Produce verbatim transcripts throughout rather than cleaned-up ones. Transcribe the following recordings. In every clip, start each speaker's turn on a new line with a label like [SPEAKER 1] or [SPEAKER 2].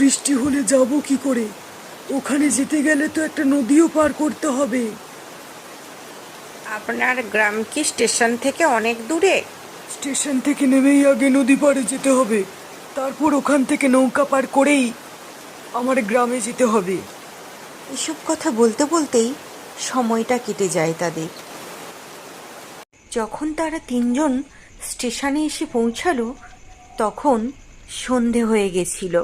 [SPEAKER 1] বৃষ্টি হলে যাব কি করে? ওখানে যেতে গেলে তো একটা নদীও পার করতে হবে।
[SPEAKER 2] আপনার গ্রাম কি স্টেশন থেকে অনেক দূরে?
[SPEAKER 1] স্টেশন থেকে নেমেই আগে নদী পাড়ে যেতে হবে, তারপর ওখান থেকে নৌকা পার করেই আমার গ্রামে যেতে হবে।
[SPEAKER 3] এসব কথা বলতে বলতেই সময়টা কেটে যায় তাদের। যখন তারা তিনজন স্টেশনে এসে পৌঁছালো তখন সন্ধে হয়ে গেছিল।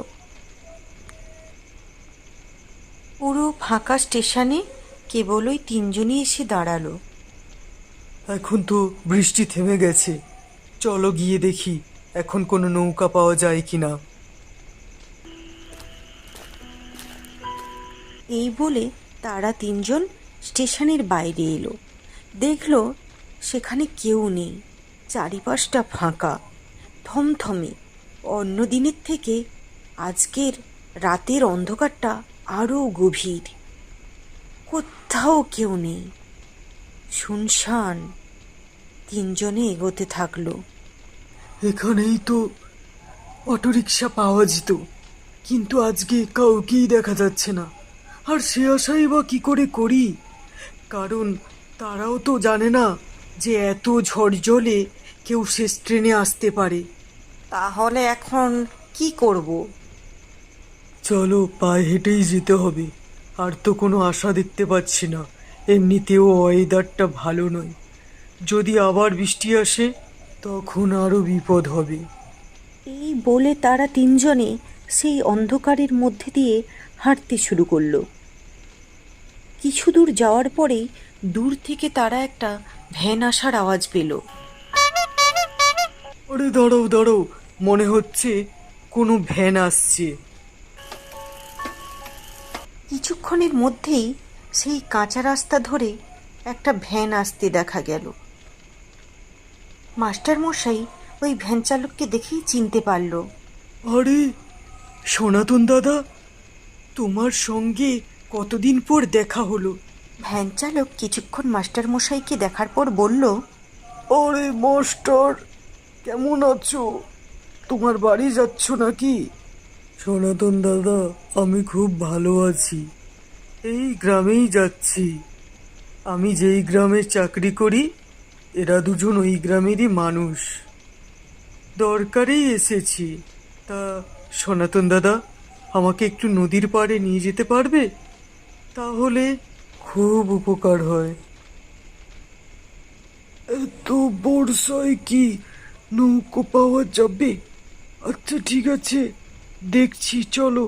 [SPEAKER 3] পুরো ফাঁকা স্টেশনে কেবল ওই তিনজনই এসে দাঁড়ালো।
[SPEAKER 1] এখন তো বৃষ্টি থেমে গেছে, চলো গিয়ে দেখি এখন কোনো নৌকা পাওয়া যায় কিনা।
[SPEAKER 3] এই বলে তারা তিনজন স্টেশনের বাইরে এলো। দেখলো সেখানে কেউ নেই, চারিপাশটা ফাঁকা, থমথমে। অন্য দিনের থেকে আজকের রাতের অন্ধকারটা আরও গভীর। কোথাও কেউ নেই, শুনশান। তিনজনে এগোতে থাকলো।
[SPEAKER 1] এখানেই তো অটোরিকশা পাওয়া যেত, কিন্তু আজকে কাউকেই দেখা যাচ্ছে না। আর সে আশাই বা কি করে করি, কারণ তারাও তো জানে না যে এত ঝড় জলে কেউ শেষ ট্রেনে আসতে পারে।
[SPEAKER 3] তাহলে এখন কি করব?
[SPEAKER 1] চলো পায়ে হেঁটেই যেতে হবে, আর তো কোনো আশা দেখতে পাচ্ছি না। এমনিতেও ওয়েদারটা ভালো নয়, যদি আবার বৃষ্টি আসে তখন আরো বিপদ হবে।
[SPEAKER 3] এই বলে তারা তিনজনে সেই অন্ধকারের মধ্যে দিয়ে হাঁটতে শুরু করলো। কিছু দূর যাওয়ার পরেই দূর থেকে তারা একটা ভ্যান আসার আওয়াজ পেল।
[SPEAKER 1] আরে দাঁড়াও দাঁড়াও, মনে হচ্ছে কোনো ভ্যান আসছে।
[SPEAKER 3] কিছুক্ষণের মধ্যেই সেই কাঁচা রাস্তা ধরে একটা ভ্যান আসতে দেখা গেল। মাস্টারমশাই ওই ভ্যান চালককে দেখেই চিনতে পারল।
[SPEAKER 1] আরে সনাতন দাদা, তোমার সঙ্গে কতদিন পর দেখা হলো।
[SPEAKER 3] ভ্যান চালক কিছুক্ষণ মাস্টারমশাইকে দেখার পর বলল,
[SPEAKER 1] আরে মাস্টার, কেমন আছো? তোমার বাড়ি যাচ্ছ নাকি? সনাতন দাদা, আমি খুব ভালো আছি, এই গ্রামেই যাচ্ছি। আমি যেই গ্রামে চাকরি করি এরা দুজন ওই গ্রামেরই মানুষ, দরকারেই এসেছি। তা সনাতন দাদা, আমাকে একটু নদীর পাড়ে নিয়ে যেতে পারবে? তাহলে খুব উপকার হয়। এত বর্ষায় কি নৌকো পাওয়া যাবে? আচ্ছা ঠিক আছে, দেখছি, চলো।